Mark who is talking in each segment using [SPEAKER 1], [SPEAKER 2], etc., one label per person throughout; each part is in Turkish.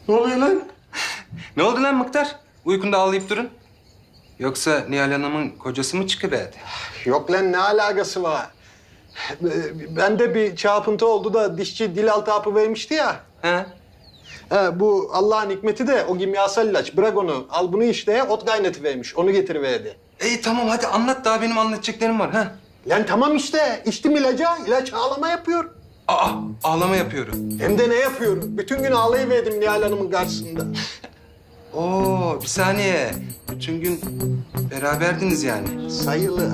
[SPEAKER 1] Ne oluyor lan?
[SPEAKER 2] Ne oldu lan Mıktar? Uykunda ağlayıp durun. Yoksa Nihal Hanım'ın kocası mı çıkıverdi?
[SPEAKER 1] Yok lan ne alakası var? Bende bir çarpıntı oldu da dişçi dil altı hapı vermişti ya.
[SPEAKER 2] He?
[SPEAKER 1] Bu Allah'ın hikmeti de o kimyasal ilaç. Bırak onu. Al bunu işte ot kaynatıvermiş. Onu getiriverdi.
[SPEAKER 2] İyi tamam hadi anlat daha benim anlatacaklarım var ha.
[SPEAKER 1] Lan tamam işte. İçtim ilacı. İlaç ağlama yapıyor.
[SPEAKER 2] Aa ağlama yapıyorum.
[SPEAKER 1] Hem de ne yapıyorum? Bütün gün ağlayıverdim Nihal Hanım'ın karşısında.
[SPEAKER 2] Oo bir saniye. Bütün gün beraberdiniz yani.
[SPEAKER 1] Sayılı.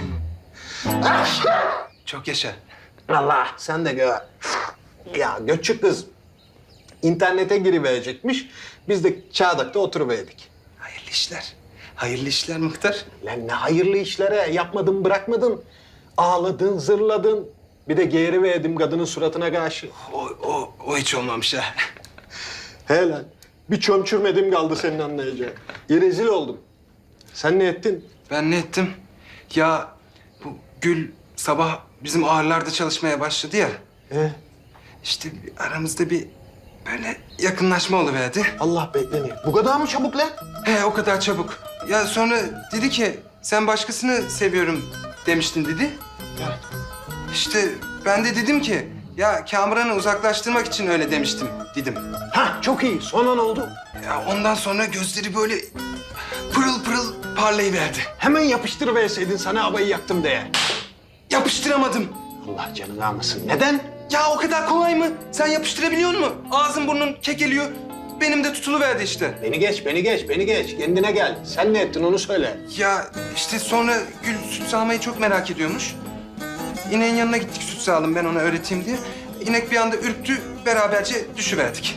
[SPEAKER 2] Çok yaşa.
[SPEAKER 1] Allah sen de gör. Ya göçük kız internete giriverecekmiş. Biz de Çağdak'ta oturuverdik.
[SPEAKER 2] Hayırlı işler. Hayırlı işler Mıktar.
[SPEAKER 1] Lan ne hayırlı işlere yapmadın bırakmadın. Ağladın, zırladın. Bir de geğiriverdim kadının suratına karşı.
[SPEAKER 2] O hiç olmamış ha.
[SPEAKER 1] He lan. Bir çömçürmedim kaldı senin anlayacağın. Rezil oldum. Sen ne ettin?
[SPEAKER 2] Ben ne ettim? Ya bu Gül sabah bizim ağırlarda çalışmaya başladı ya. İşte aramızda bir böyle yakınlaşma oluverdi.
[SPEAKER 1] Allah bekleniyor. Bu kadar mı çabuk lan?
[SPEAKER 2] He o kadar çabuk. Ya sonra dedi ki sen başkasını seviyorum demiştin dedi. İşte ben de dedim ki ya Kamuran'ı uzaklaştırmak için öyle demiştim dedim.
[SPEAKER 1] Ha çok iyi. Sonra ne oldu?
[SPEAKER 2] Ya ondan sonra gözleri böyle pırıl pırıl parlayıverdi.
[SPEAKER 1] Hemen yapıştırıverseydin sana havayı yaktım diye.
[SPEAKER 2] Yapıştıramadım.
[SPEAKER 1] Allah canını almasın. Neden?
[SPEAKER 2] Ya o kadar kolay mı? Sen yapıştırabiliyor musun? Ağzın burnun kekeliyor. Benim de tutuluverdi işte.
[SPEAKER 1] Beni geç, beni geç, beni geç. Kendine gel. Sen ne ettin onu söyle.
[SPEAKER 2] Ya işte sonra Gül süt sağmayı çok merak ediyormuş. İneğin yanına gittik süt sağalım ben ona öğreteyim diye. İnek bir anda ürktü, beraberce düşüverdik.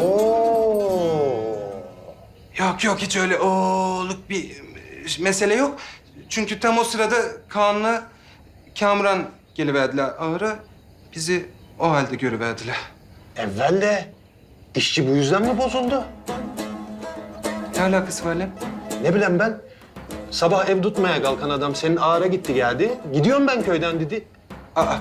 [SPEAKER 1] Oo.
[SPEAKER 2] Yok hiç öyle oğluk bir mesele yok. Çünkü tam o sırada Kaan'la Kamuran geliverdiler ağıra. Bizi o halde görüverdiler.
[SPEAKER 1] Evvel de dişçi bu yüzden mi bozuldu?
[SPEAKER 2] Ne alakası var lan?
[SPEAKER 1] Ne bileyim ben. Sabah ev tutmaya kalkan adam senin ağara gitti geldi. Gidiyorum ben köyden dedi.
[SPEAKER 2] Aa,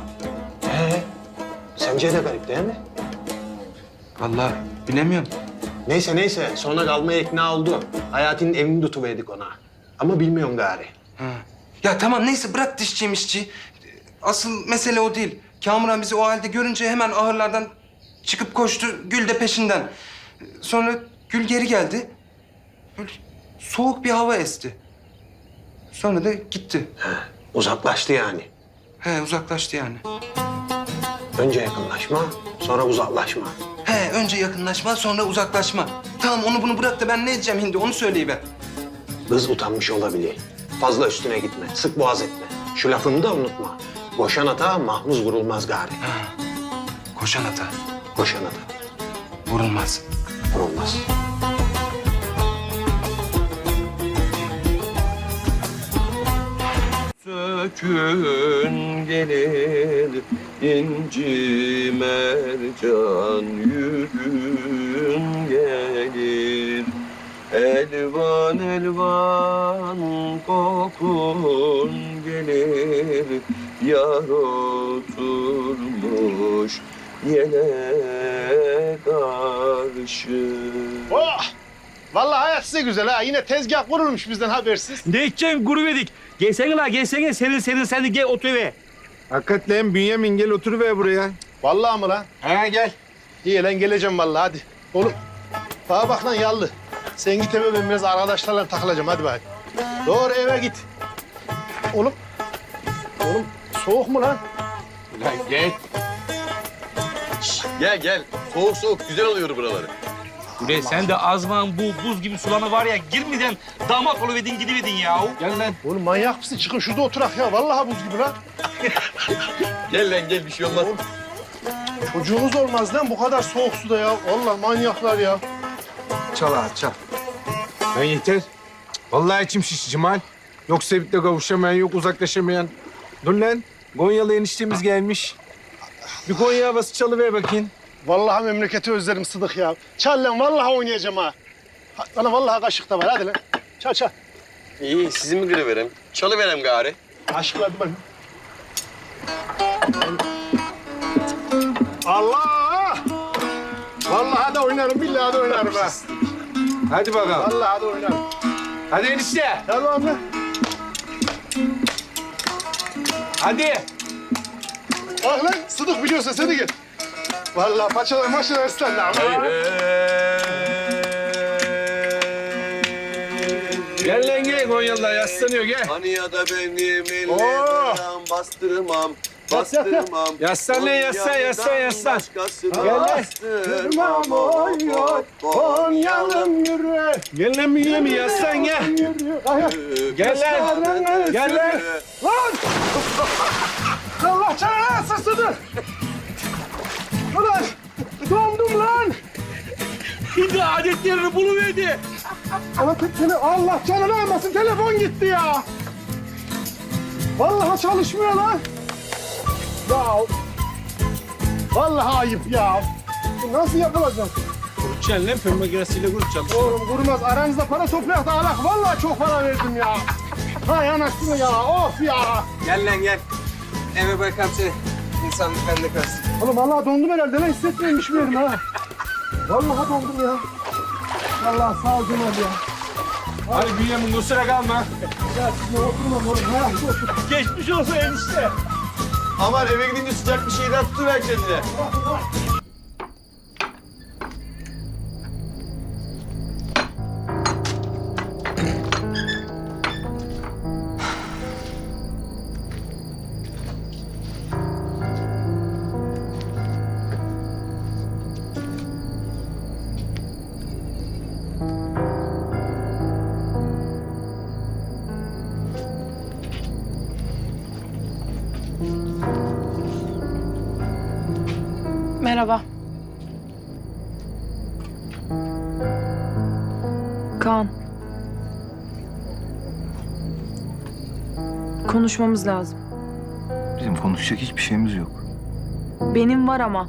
[SPEAKER 1] Sence de garip değil mi?
[SPEAKER 2] vallahi bilemiyorum.
[SPEAKER 1] Neyse sonra kalmaya ikna oldu. Hayati'nin evini tutuverdik ona. Ama bilmiyorum gari.
[SPEAKER 2] Ha. Ya tamam neyse bırak dişçi mişçi. Asıl mesele o değil. Kamuran bizi o halde görünce hemen ahırlardan çıkıp koştu. Gül de peşinden. Sonra Gül geri geldi. Böyle soğuk bir hava esti. Sonra da gitti.
[SPEAKER 1] Uzaklaştı yani.
[SPEAKER 2] He uzaklaştı yani.
[SPEAKER 1] Önce yakınlaşma, sonra uzaklaşma.
[SPEAKER 2] He önce yakınlaşma sonra uzaklaşma. Tamam onu bunu bırak da ben ne edeceğim hindi onu söyleyiver.
[SPEAKER 1] Kız utanmış olabilir. Fazla üstüne gitme, sık boğaz etme. Şu lafımı da unutma. Boşan ata mahmuz vurulmaz gari.
[SPEAKER 2] Koşan ata
[SPEAKER 1] Boşan ata
[SPEAKER 2] vurulmaz.
[SPEAKER 1] vurulmaz.
[SPEAKER 3] Sökün gelir inci mercan yürün gelir. Elvan elvan kokun gelir. Yar oturmuş yele karşı.
[SPEAKER 4] Oh! Vallahi hayat size güzel ha. Yine tezgah kurulmuş bizden habersiz.
[SPEAKER 5] Ne içeceksin gurubedik? Gelsene la gelsene senin sen de gel otur eve.
[SPEAKER 6] Hakikaten Bünyamin gel oturuver buraya.
[SPEAKER 4] Vallahi mı lan?
[SPEAKER 6] Ha gel.
[SPEAKER 4] İyi lan geleceğim vallahi hadi. Oğlum bana bak lan yallı. Sen git eve ben biraz arkadaşlarla takılacağım hadi bak. Doğru eve git. Oğlum soğuk mu lan?
[SPEAKER 6] Lan gel.
[SPEAKER 3] Gel. Soğuk güzel oluyor buraları.
[SPEAKER 5] Bre sen de azman bu buz gibi sulana var ya girmeden damat oluvedin gidivedin ya.
[SPEAKER 6] Gel lan.
[SPEAKER 4] Oğlum manyak mısın? Çıkın şurada oturak ya. Vallahi buz gibi lan.
[SPEAKER 3] Gel bir şey olmaz.
[SPEAKER 4] Çocuğunuz olmaz lan bu kadar soğuk suda ya. Vallahi manyaklar ya.
[SPEAKER 6] Çal ağa çal. Lan yeter. Vallahi içim şiş Cemal. Yok sevip de kavuşamayan, yok uzaklaşamayan. Dur lan. Gonyalı eniştemiz gelmiş. Bir Konya havası çalıver bakayım.
[SPEAKER 4] Vallahi memleketi özlerim Sıdık ya. Çal lan vallahi oynayacağım ha. Bana vallahi kaşık da var hadi lan. Çal.
[SPEAKER 3] İyi sizi mi kırıverem? Çalıverem gari.
[SPEAKER 4] Aşkla hadi bak. Allah! Vallahi de oynarım, billahi de oynarım ha.
[SPEAKER 6] Hadi bakalım.
[SPEAKER 4] Vallahi de oynarım.
[SPEAKER 6] Hadi enişte.
[SPEAKER 4] Tamam lan.
[SPEAKER 6] Hadi.
[SPEAKER 4] Bak lan, Sıdık biliyorsa seni gel. Vallahi paçalar maçalar ıslandı ama.
[SPEAKER 6] Gel lan gel. Konyalılar yaslanıyor gel.
[SPEAKER 3] Hani ya da benim ellerim
[SPEAKER 4] Oo.
[SPEAKER 3] bastırmam.
[SPEAKER 4] Yat, yat, yat.
[SPEAKER 3] Bastırmam.
[SPEAKER 6] Yaslan lan, yaslan, yaslan, yaslan.
[SPEAKER 3] Başkasına
[SPEAKER 4] Gel lan.
[SPEAKER 3] bastırmam.
[SPEAKER 4] Oy oy, Konyalım yürü.
[SPEAKER 6] Gel lan büyüğüm yaslan gel.
[SPEAKER 4] Yürü. Ay, ay.
[SPEAKER 6] Gel lan. Gel lan.
[SPEAKER 4] Lan! Allah canına alsın Sıdık. Ulan! Dondum lan!
[SPEAKER 5] Şimdi adetlerini buluverdi.
[SPEAKER 4] Allah canını almasın, telefon gitti ya. Vallahi çalışmıyor lan. Ya. Vallahi ayıp ya. Bu nasıl yapılacak?
[SPEAKER 6] Kurutacaksın lan fön makinesiyle kurutacaksın.
[SPEAKER 4] Oğlum kurmaz. Aranızda para toplayak da alak. Vallahi çok para verdim ya. Hay anasını ya. Of ya.
[SPEAKER 2] Gel lan gel. Eve bırakam seni. İnsanlık bende kalsın.
[SPEAKER 4] Oğlum vallahi dondum herhalde lan. Hissetmiyorum hiçbir yerim ha. Vallahi dondum ya. Vallahi sağ ol Cemal ya.
[SPEAKER 6] Hadi büyüğüm kusura kalma.
[SPEAKER 4] Ya sizinle oturmam oğlum. Ha, otur.
[SPEAKER 5] Geçmiş olsun enişte.
[SPEAKER 3] Aman eve gidince sıcak bir şeyden tutuver kendine.
[SPEAKER 7] Merhaba. Kaan. Konuşmamız lazım.
[SPEAKER 8] Bizim konuşacak hiçbir şeyimiz yok.
[SPEAKER 7] Benim var ama.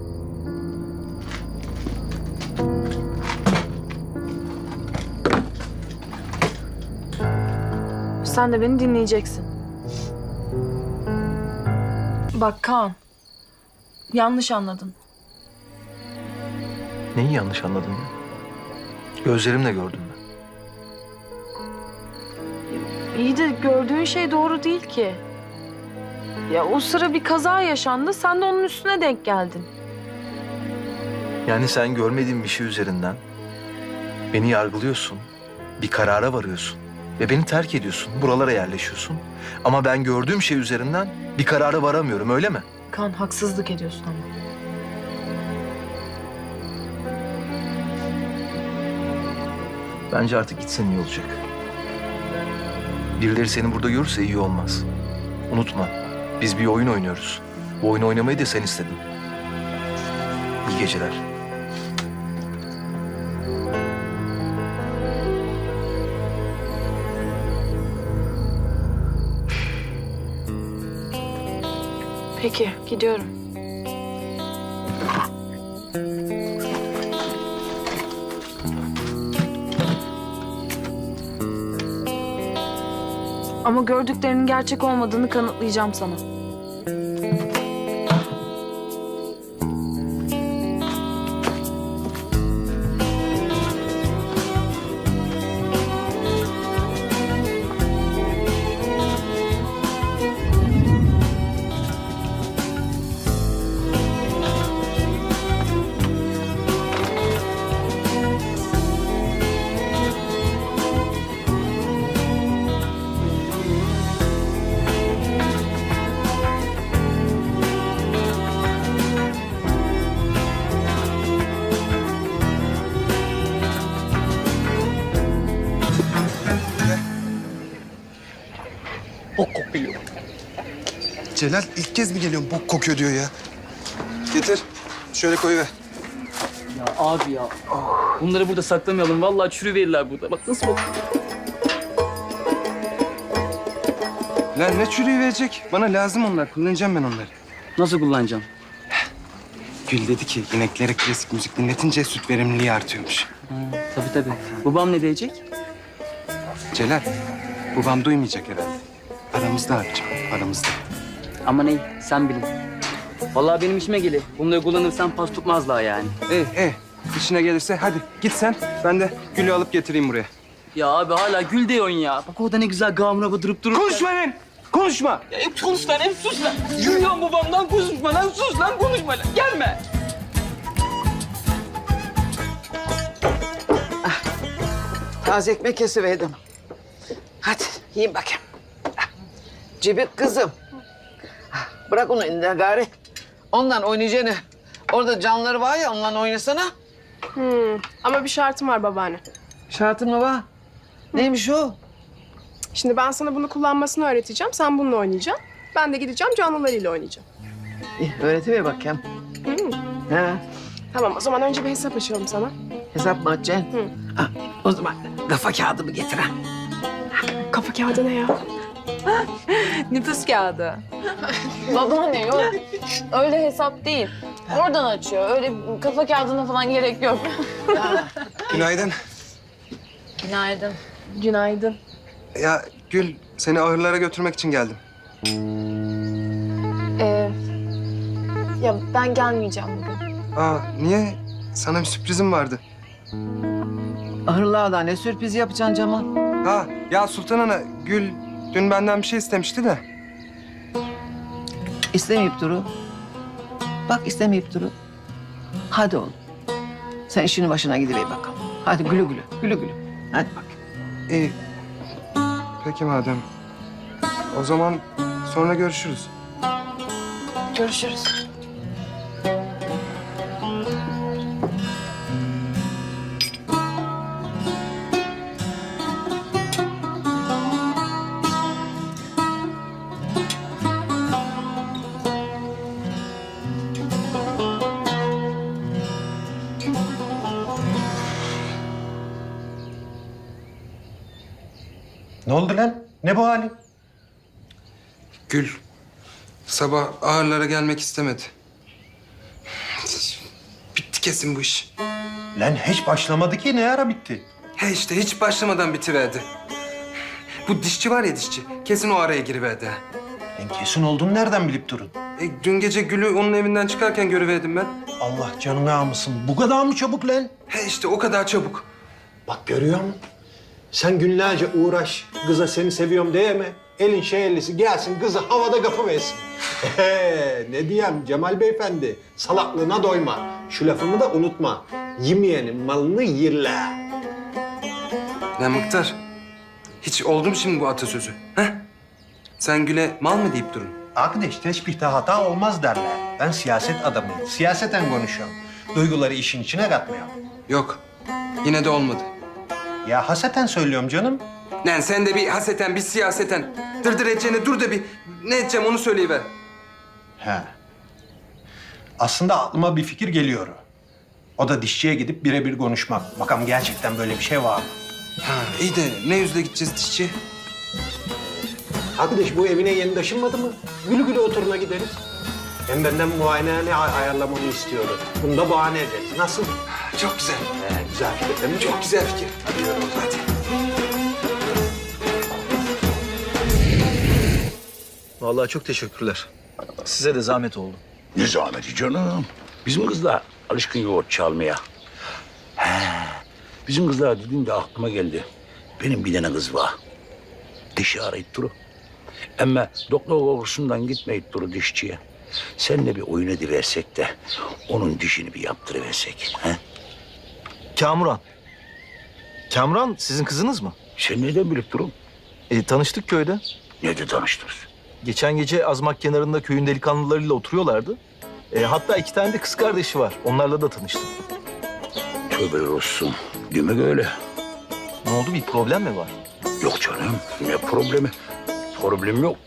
[SPEAKER 7] Sen de beni dinleyeceksin. Bak Kaan. Yanlış anladın.
[SPEAKER 8] Neyi yanlış anladın ya? Gözlerimle gördüm ben.
[SPEAKER 7] İyi de gördüğün şey doğru değil ki. Ya o sıra bir kaza yaşandı, sen de onun üstüne denk geldin.
[SPEAKER 8] Yani sen görmediğin bir şey üzerinden beni yargılıyorsun, bir karara varıyorsun ve beni terk ediyorsun, buralara yerleşiyorsun. Ama ben gördüğüm şey üzerinden bir karara varamıyorum, öyle mi?
[SPEAKER 7] Kaan, haksızlık ediyorsun ama.
[SPEAKER 8] Bence artık gitsen iyi olacak. Birileri seni burada görürse iyi olmaz. Unutma, biz bir oyun oynuyoruz. Bu oyunu oynamayı da sen istedin. İyi geceler.
[SPEAKER 7] Peki, gidiyorum. Ama gördüklerinin gerçek olmadığını kanıtlayacağım sana.
[SPEAKER 2] Bok kokuyor. Celal ilk kez mi geliyorsun bok kokuyor diyor ya. Getir. Şöyle koyuver.
[SPEAKER 9] Ya abi ya. Bunları burada saklamayalım. Vallahi çürüverirler burada. Bak nasıl bak.
[SPEAKER 2] Lan ne çürüğü verecek? Bana lazım onlar. Kullanacağım ben onları.
[SPEAKER 9] Nasıl kullanacağım?
[SPEAKER 2] Gül dedi ki ineklere klasik müzik dinletince süt verimliliği artıyormuş.
[SPEAKER 9] Tabii tabii. Babam ne diyecek?
[SPEAKER 2] Celal, babam duymayacak herhalde. Aramızda abicim, aramızda.
[SPEAKER 9] Ama ne? Sen bilin. Vallahi benim işime gelir. Bunları kullanırsam pas tutmazlar yani.
[SPEAKER 2] İşine gelirse hadi git sen. Ben de Gül'ü alıp getireyim buraya.
[SPEAKER 9] Ya abi hala gül diyorsun ya. Bak orada ne güzel gamına bıdırıp durur.
[SPEAKER 2] Konuşma lan! Konuşma!
[SPEAKER 9] Ya, konuş lan, hep sus lan. Yürüyorum babamdan, konuşma lan, sus lan, konuşma lan. Gelme.
[SPEAKER 10] Taze ekmek kesiverdim. Hadi yiyin bakayım. Cibik kızım. Bırak onu elinden gari. Ondan oynayacağını. Orada canları var ya, ondan oynasana.
[SPEAKER 11] Ama bir şartım var babaanne.
[SPEAKER 10] Şartın mı var? Neymiş o?
[SPEAKER 11] Şimdi ben sana bunu kullanmasını öğreteceğim. Sen bununla oynayacaksın. Ben de gideceğim canlılarıyla oynayacağım.
[SPEAKER 10] İyi, öğretiver bakayım. He,
[SPEAKER 11] Tamam o zaman önce bir hesap açalım sana.
[SPEAKER 10] hesap mı açacaksın? Ha, o zaman kafa kağıdımı getir ha.
[SPEAKER 11] Kafa kağıdı ne ya?
[SPEAKER 7] Nüfus kağıdı. Babaanne yok. Öyle hesap değil. Oradan açıyor. Öyle kafa kağıdına falan gerek yok.
[SPEAKER 2] Günaydın.
[SPEAKER 7] Günaydın.
[SPEAKER 11] Günaydın.
[SPEAKER 2] Ya Gül, seni ahırlara götürmek için geldim.
[SPEAKER 11] Ya ben gelmeyeceğim bugün.
[SPEAKER 2] Aa, niye? Sana bir sürprizim vardı.
[SPEAKER 10] Ahırlarda ne sürpriz yapacaksın Cemal?
[SPEAKER 2] Ha, ya Sultan Ana, Gül dün benden bir şey istemişti de.
[SPEAKER 10] İstemeyip duru. Bak istemeyip duru. Hadi oğlum. Sen işinin başına gidiver bakalım. Hadi gülü gülü, gülü gülü. Hadi bak.
[SPEAKER 2] İyi. Peki madem. O zaman sonra görüşürüz.
[SPEAKER 11] Görüşürüz.
[SPEAKER 1] Ne oldu lan? Ne bu halin?
[SPEAKER 2] Gül, sabah ağırlara gelmek istemedi. Bitti kesin bu iş.
[SPEAKER 1] Lan hiç başlamadı ki. Ne ara bitti?
[SPEAKER 2] He işte hiç başlamadan bitiverdi. Bu dişçi var ya dişçi, kesin o araya giriverdi.
[SPEAKER 1] Ben kesin olduğunu nereden bilip durun?
[SPEAKER 2] Dün gece Gül'ü onun evinden çıkarken görüverdim ben.
[SPEAKER 1] Allah canını almasın. Bu kadar mı çabuk lan?
[SPEAKER 2] He işte o kadar çabuk.
[SPEAKER 1] Bak görüyor musun? Sen günlerce uğraş, kıza seni seviyorum diye mi? Elin şeyellisi gelsin, kızı havada kapıversin. Ne diyeyim Cemal Beyefendi? Salaklığına doyma. Şu lafımı da unutma. Yemeyenin malını yerler.
[SPEAKER 2] Ne Mıktar? Hiç oldu mu şimdi bu atasözü? He? Sen Gül'e mal mı deyip durun?
[SPEAKER 1] Arkadaş teşbihte hata olmaz derler. Ben siyaset adamıyım. Siyaseten konuşuyorum. Duyguları işin içine katmıyorum.
[SPEAKER 2] Yok. Yine de olmadı.
[SPEAKER 1] Ya haseten söylüyorum canım.
[SPEAKER 2] Lan sen de bir haseten, bir siyaseten. Dırdır edeceğine dur da bir ne edeceğim onu söyleyiver.
[SPEAKER 1] He. Aslında aklıma bir fikir geliyor. O da dişçiye gidip birebir konuşmak. Bakalım gerçekten böyle bir şey var mı?
[SPEAKER 2] Ha iyi de ne yüzle gideceğiz dişçi?
[SPEAKER 1] Arkadaş bu evine yeni taşınmadı mı? Gülü gülü oturuna gideriz. Hem benden muayenehane ayarlamamı istiyordu. Bunu da bahane ederiz. Nasıl?
[SPEAKER 2] Çok güzel.
[SPEAKER 1] Güzel fikir değil mi?
[SPEAKER 2] Çok güzel fikir. Hadi yürü hadi.
[SPEAKER 8] Vallahi çok teşekkürler. Size de zahmet oldu.
[SPEAKER 12] Ne zahmeti canım. Bizim kızlar alışkın yoğurt çalmaya. Bizim kızlar dediğinde aklıma geldi. Benim bir tane kız var. Dişi arayıp duru. Ama doktor kokusundan gitmeyip duru dişçiye. Seninle bir oyun ediversek de onun dişini bir yaptırıversek. He?
[SPEAKER 8] Kamuran. Kamuran sizin kızınız mı?
[SPEAKER 12] Sen neden bilip durun?
[SPEAKER 8] Tanıştık köyde.
[SPEAKER 12] Nerede tanıştınız?
[SPEAKER 8] Geçen gece Azmak kenarında köyün delikanlılarıyla oturuyorlardı. Hatta 2 tane de kız kardeşi var. Onlarla da tanıştım.
[SPEAKER 12] Tövbeler olsun. Demek öyle.
[SPEAKER 8] Ne oldu, bir problem mi var?
[SPEAKER 12] Yok canım. Ne problemi? Problem yok.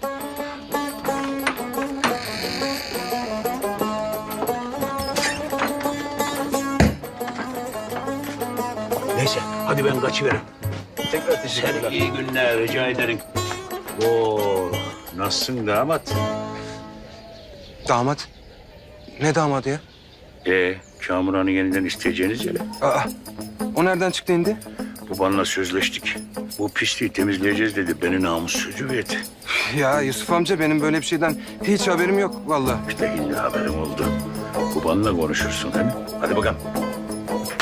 [SPEAKER 12] Neyse, hadi ben kaçıvereyim.
[SPEAKER 8] Tekrar teşekkürler.
[SPEAKER 12] Sen iyi günler, rica ederim. Oo, nasılsın damat?
[SPEAKER 2] Damat? Ne damadı ya?
[SPEAKER 12] Kamuran'ı yeniden isteyeceğiniz yere.
[SPEAKER 2] Aa, o nereden çıktı indi?
[SPEAKER 12] Babanla sözleştik. Bu pisliği temizleyeceğiz dedi. Beni namus sözü verdi.
[SPEAKER 2] Ya Yusuf amca benim böyle bir şeyden hiç haberim yok vallahi.
[SPEAKER 12] İşte şimdi haberim oldu. Babanla konuşursun değil mi? Hadi bakalım.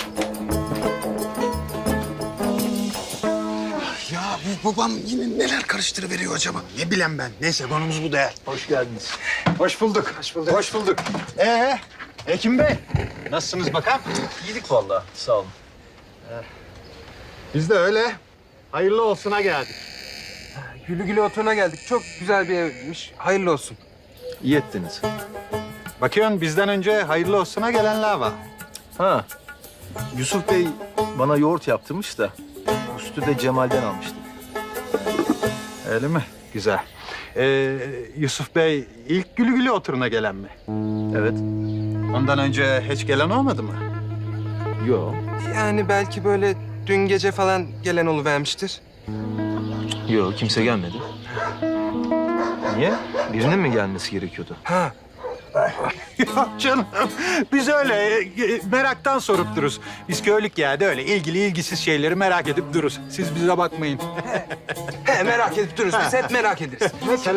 [SPEAKER 1] babam yine neler karıştırıveriyor acaba? Ne bileyim ben. Neyse konumuz bu değil.
[SPEAKER 8] Hoş geldiniz.
[SPEAKER 1] Hoş bulduk. Hoş bulduk. Hoş bulduk. Hekim Bey. Nasılsınız bakalım?
[SPEAKER 8] İyilik vallahi. Sağ olun.
[SPEAKER 1] Biz de öyle. Hayırlı olsuna geldik.
[SPEAKER 2] Gülü gülü oturuna geldik. Çok güzel bir evmiş. Hayırlı olsun.
[SPEAKER 8] İyi ettiniz.
[SPEAKER 1] Bakıyorsun bizden önce hayırlı olsuna gelenler var.
[SPEAKER 8] Ha. Yusuf Bey bana yoğurt yaptırmış da üstü de Cemal'den almıştı.
[SPEAKER 1] Öyle mi? Güzel. Yusuf Bey ilk gülü gülü oturuna gelen mi?
[SPEAKER 8] Evet.
[SPEAKER 1] Ondan önce hiç gelen olmadı mı?
[SPEAKER 8] Yo.
[SPEAKER 2] Yani belki böyle dün gece falan gelen oluvermiştir.
[SPEAKER 8] Yo, kimse gelmedi. Niye? Birinin mi gelmesi gerekiyordu?
[SPEAKER 2] Ha,
[SPEAKER 1] Yok canım. Biz öyle meraktan sorup dururuz. Biz köylük yerde öyle ilgili ilgisiz şeyleri merak edip dururuz. Siz bize bakmayın.
[SPEAKER 2] he, merak edip dururuz. Biz hep merak ederiz.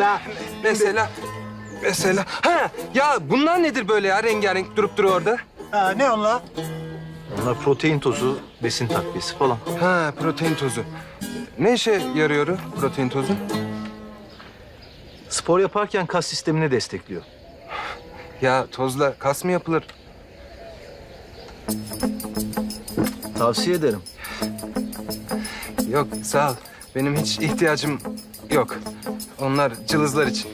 [SPEAKER 2] Mesela. Ha, ya bunlar nedir böyle ya? Rengarenk durup duruyor orada.
[SPEAKER 1] Ha, ne onlar?
[SPEAKER 8] Onlar protein tozu, besin takviyesi falan.
[SPEAKER 2] Ha, protein tozu. Ne işe yarıyor o protein tozu?
[SPEAKER 8] Spor yaparken kas sistemini destekliyor.
[SPEAKER 2] Ya tozla kas mı yapılır?
[SPEAKER 8] Tavsiye ederim.
[SPEAKER 2] Yok, sağ ol. Benim hiç ihtiyacım yok. Onlar cılızlar için.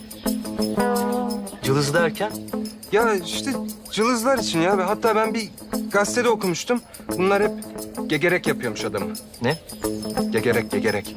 [SPEAKER 8] Cılız derken?
[SPEAKER 2] Ya işte cılızlar için ya. Hatta ben bir gazetede okumuştum. Bunlar hep gegerek yapıyormuş adamı.
[SPEAKER 8] Ne?
[SPEAKER 2] Gegerek.
[SPEAKER 1] Gegerek.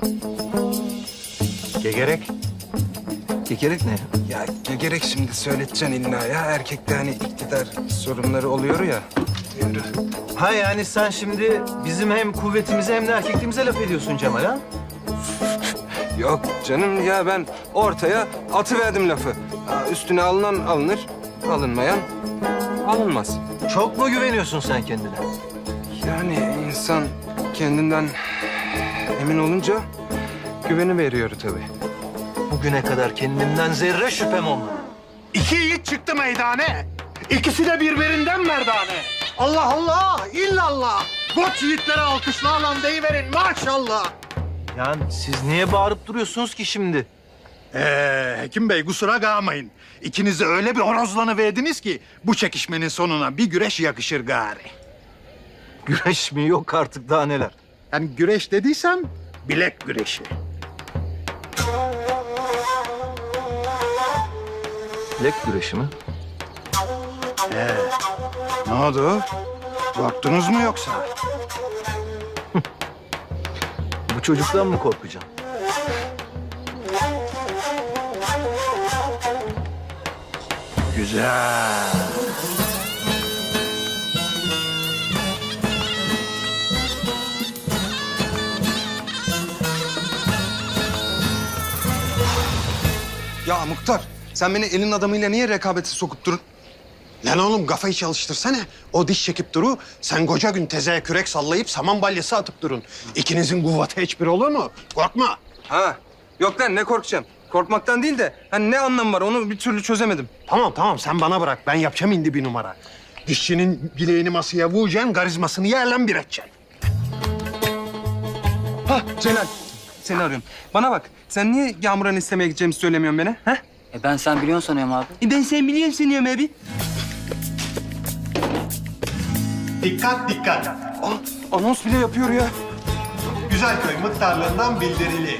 [SPEAKER 8] Kekerek ne?
[SPEAKER 2] Ya gegerek şimdi söyleteceksin illa ya. Erkekte hani iktidar sorunları oluyor ya. Yürü.
[SPEAKER 8] Ha yani sen şimdi bizim hem kuvvetimize hem de erkekliğimize laf ediyorsun Cemal ha?
[SPEAKER 2] Yok canım ya ben ortaya atıverdim lafı. Ha, üstüne alınan alınır, alınmayan alınmaz.
[SPEAKER 8] Çok mu güveniyorsun sen kendine?
[SPEAKER 2] Yani insan kendinden emin olunca güveni veriyor tabii.
[SPEAKER 8] Bugüne kadar kendimden zerre şüphem olmadı.
[SPEAKER 4] İki yiğit çıktı meydane. İkisi de birbirinden merdane. Allah Allah, illallah. Koç yiğitlere alkışla lan deyiverin maşallah.
[SPEAKER 8] Yani siz niye bağırıp duruyorsunuz ki şimdi?
[SPEAKER 4] Hekim Bey kusura kalmayın. İkiniz de öyle bir horozlanıverdiniz ki bu çekişmenin sonuna bir güreş yakışır gari.
[SPEAKER 8] Güreş mi yok artık daha neler?
[SPEAKER 4] Yani güreş dediysem bilek güreşi.
[SPEAKER 8] Bilek güreşi mi?
[SPEAKER 4] Ne oldu? Korktunuz mu yoksa?
[SPEAKER 8] Bu çocuktan mı korkacağım?
[SPEAKER 4] Güzel.
[SPEAKER 2] Ya Muhtar, sen beni elin adamıyla niye rekabete sokup durun?
[SPEAKER 1] Lan oğlum kafayı çalıştırsana. O diş çekip duru. Sen koca gün tezeye kürek sallayıp saman balyası atıp durun. İkinizin kuvveti hiçbir olur mu? Korkma.
[SPEAKER 2] Ha, yok lan ne korkacağım? Korkmaktan değil de hani ne anlamı var onu bir türlü çözemedim.
[SPEAKER 1] Tamam sen bana bırak. Ben yapacağım indi bir numara. Dişçinin bileğini masaya vuracaksın, karizmasını yerle bir edeceksin.
[SPEAKER 2] Hah Celal, seni arıyorum. Bana bak, sen niye Yağmur'un istemeye gideceğimi söylemiyorsun bana? Ha?
[SPEAKER 9] Ben sen biliyorsun sanıyorum abi.
[SPEAKER 2] Ben sen biliyorum sanıyorum abi.
[SPEAKER 1] Dikkat.
[SPEAKER 2] Anons bile yapıyor ya.
[SPEAKER 1] Güzelköy muhtarlığından bildirili.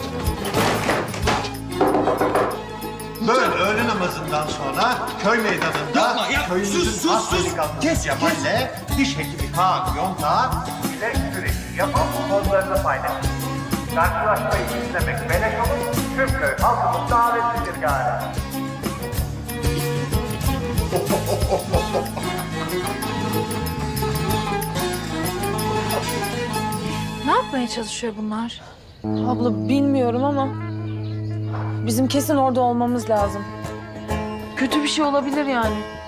[SPEAKER 1] Böyle öğle namazından sonra köy meydanında köyümüzün has delikanlısı Cemal'le diş hekimi Kaan Yonta bilek güreşi yapıp pozlarını paylaşır. Karşılaşmayı izlemek melek olur, tüm köy halkımız davetlidir gari.
[SPEAKER 7] Ne yapmaya çalışıyor bunlar? Abla bilmiyorum ama bizim kesin orada olmamız lazım. Kötü bir şey olabilir yani.